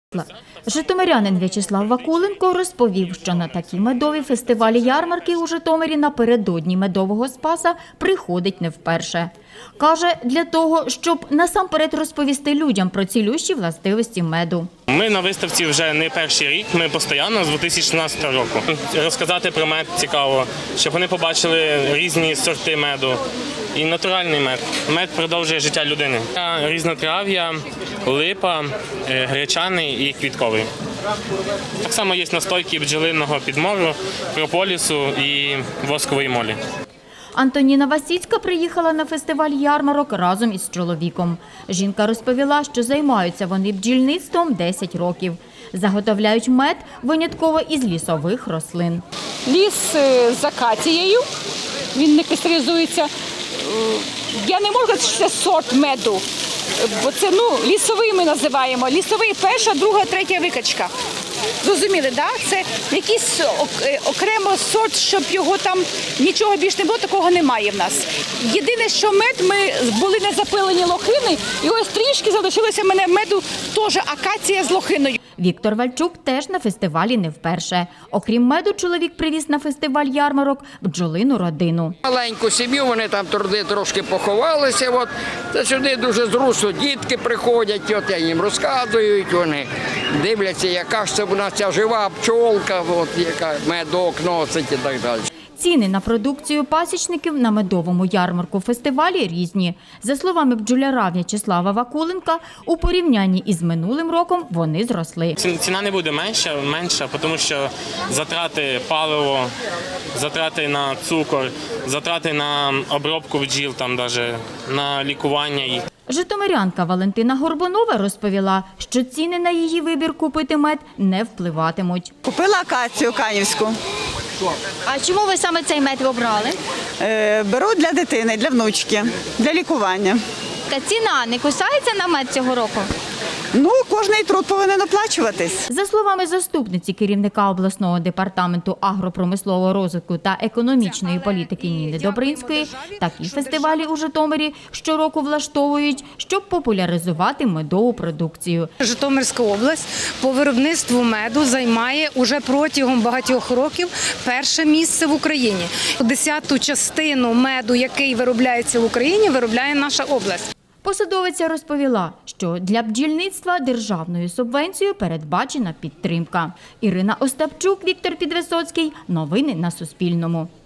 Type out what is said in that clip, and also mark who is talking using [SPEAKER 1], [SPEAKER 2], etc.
[SPEAKER 1] Житомирянин В'ячеслав Вакуленко розповів, що на такі медові фестивалі-ярмарки у Житомирі напередодні Медового Спаса приходить не вперше. Каже, для того, щоб насамперед розповісти людям про цілющі властивості меду.
[SPEAKER 2] Ми на виставці вже не перший рік, ми постійно з 2016 року. Розказати про мед цікаво, щоб вони побачили різні сорти меду і натуральний мед. Мед продовжує життя людини. Різнотрав'я, липа, гречаний і квітковий. Так само є настойки бджолиного підмору, прополісу і воскової молі.
[SPEAKER 1] Антоніна Васіцька приїхала на фестиваль ярмарок разом із чоловіком. Жінка розповіла, що займаються вони бджільництвом 10 років. Заготовляють мед винятково із лісових рослин.
[SPEAKER 3] Ліс з акацією, він не кристалізується. Я не можу сказати, що це сорт меду, бо це лісовий ми називаємо. Лісовий перша, друга, третя викачка. Зрозуміли, так? Це якийсь окремо сорт, щоб його там нічого більш не було, такого немає в нас. Єдине, що мед, ми були не запилені лохини, і ось трішки залишилося в мене меду, теж акація з лохиною.
[SPEAKER 1] Віктор Вальчук теж на фестивалі не вперше. Окрім меду, чоловік привіз на фестиваль ярмарок бджолину родину.
[SPEAKER 4] Маленьку сім'ю, вони там туди трошки поховалися. Та сюди дуже зручно, дітки приходять, я їм розказують, вони дивляться, яка ж це в нас ця жива пчолка, яка медок носить і так далі.
[SPEAKER 1] Ціни на продукцію пасічників на медовому ярмарку-фестивалі різні. За словами бджоляра В'ячеслава Вакуленка, у порівнянні із минулим роком вони зросли.
[SPEAKER 2] Ціна не буде менша, тому що затрати паливо, затрати на цукор, затрати на обробку бджіл, на лікування їх.
[SPEAKER 1] Житомирянка Валентина Горбунова розповіла, що ціни на її вибір купити мед не впливатимуть.
[SPEAKER 5] Купила акацію канівську.
[SPEAKER 1] А чому ви саме цей мед обрали?
[SPEAKER 5] Беру для дитини, для внучки, для лікування.
[SPEAKER 1] Та ціна не кусається на мед цього року?
[SPEAKER 5] Кожний труд повинен оплачуватись.
[SPEAKER 1] За словами заступниці керівника обласного департаменту агропромислового розвитку та економічної політики Ніни Добринської, такі фестивалі у Житомирі щороку влаштовують, щоб популяризувати медову продукцію.
[SPEAKER 6] Житомирська область по виробництву меду займає уже протягом багатьох років перше місце в Україні. 10-ту частину меду, який виробляється в Україні, виробляє наша область.
[SPEAKER 1] Посадовиця розповіла, що для бджільництва державною субвенцією передбачена підтримка. Ірина Остапчук, Віктор Підвисоцький. Новини на Суспільному.